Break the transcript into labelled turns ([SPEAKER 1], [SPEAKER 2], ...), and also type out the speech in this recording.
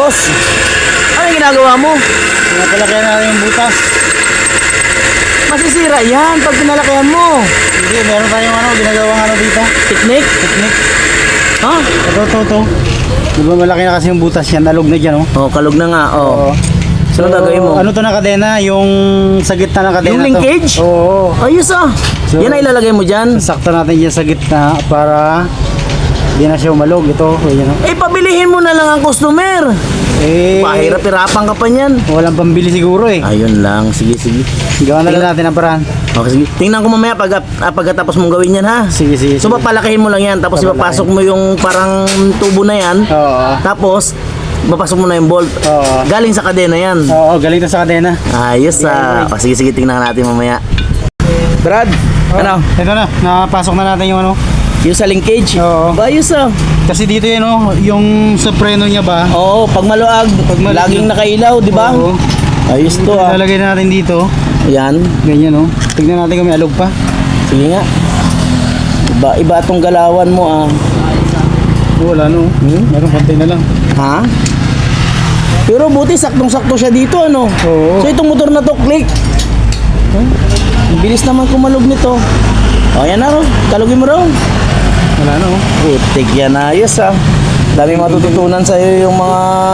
[SPEAKER 1] Tapos, ano yung ginagawa mo?
[SPEAKER 2] Pinapalakihan natin yung butas.
[SPEAKER 1] Masisira yan pag pinalakihan mo.
[SPEAKER 2] Hindi, meron tayong ginagawang dito.
[SPEAKER 1] Technique?
[SPEAKER 2] Technique.
[SPEAKER 1] Ha?
[SPEAKER 2] Ito. Di ba malaki na kasi yung butas yan, alog na dyan,
[SPEAKER 1] Oh, kalog na nga. Oh.
[SPEAKER 2] Oo.
[SPEAKER 1] So, ano gagawin mo?
[SPEAKER 2] Ano to na kadena? Yung sa gitna ng kadena
[SPEAKER 1] Yung linkage?
[SPEAKER 2] to. Oo.
[SPEAKER 1] Ayos ah.
[SPEAKER 2] So,
[SPEAKER 1] Yan ay ilalagay mo dyan.
[SPEAKER 2] Sasakta natin dyan sa gitna para hindi na siya umalog. Ito, yan o.
[SPEAKER 1] Eh, pabilihin mo na lang ang customer.
[SPEAKER 2] Eh,
[SPEAKER 1] Pahirap-hirapan ka pa niyan.
[SPEAKER 2] walang pambili siguro eh.
[SPEAKER 1] Ayun lang. Sige.
[SPEAKER 2] Gawa na lang natin ang paraan.
[SPEAKER 1] Okay, sige. Tingnan ko mamaya pagkatapos mong gawin yan, ha?
[SPEAKER 2] Sige.
[SPEAKER 1] So, papalakihin mo lang yan. Tapos, ipapasok mo yung parang tubo na yan.
[SPEAKER 2] Oo.
[SPEAKER 1] Tapos, papasok mo na yung bolt.
[SPEAKER 2] Oo.
[SPEAKER 1] Galing sa kadena yan.
[SPEAKER 2] Oo, galing na sa kadena.
[SPEAKER 1] Ayos ah. O, sige, tingnan natin mamaya. Brad, ano?
[SPEAKER 2] Ito na, napasok na natin yung
[SPEAKER 1] Yung sa linkage?
[SPEAKER 2] Oo.
[SPEAKER 1] Ayos ah.
[SPEAKER 2] Kasi dito yun yung sa preno niya ba?
[SPEAKER 1] Oo, pag maluag, laging nakailaw, di ba?
[SPEAKER 2] Oo.
[SPEAKER 1] Ayos to ah.
[SPEAKER 2] Ilalagay na natin dito.
[SPEAKER 1] Ayan.
[SPEAKER 2] Ganyan oh. Tignan natin kung may alog pa.
[SPEAKER 1] Sige nga. Iba itong galawan mo ah.
[SPEAKER 2] Wala no. Meron konti na lang.
[SPEAKER 1] Ha? Pero buti saktong-sakto siya dito ano.
[SPEAKER 2] Oo.
[SPEAKER 1] So itong motor na to, click. Ang bilis naman kumalog nito. O yan na, kalugin mo raw.
[SPEAKER 2] Wala no.
[SPEAKER 1] Putik yan, ayos ah. Dami matututunan sa'yo yung mga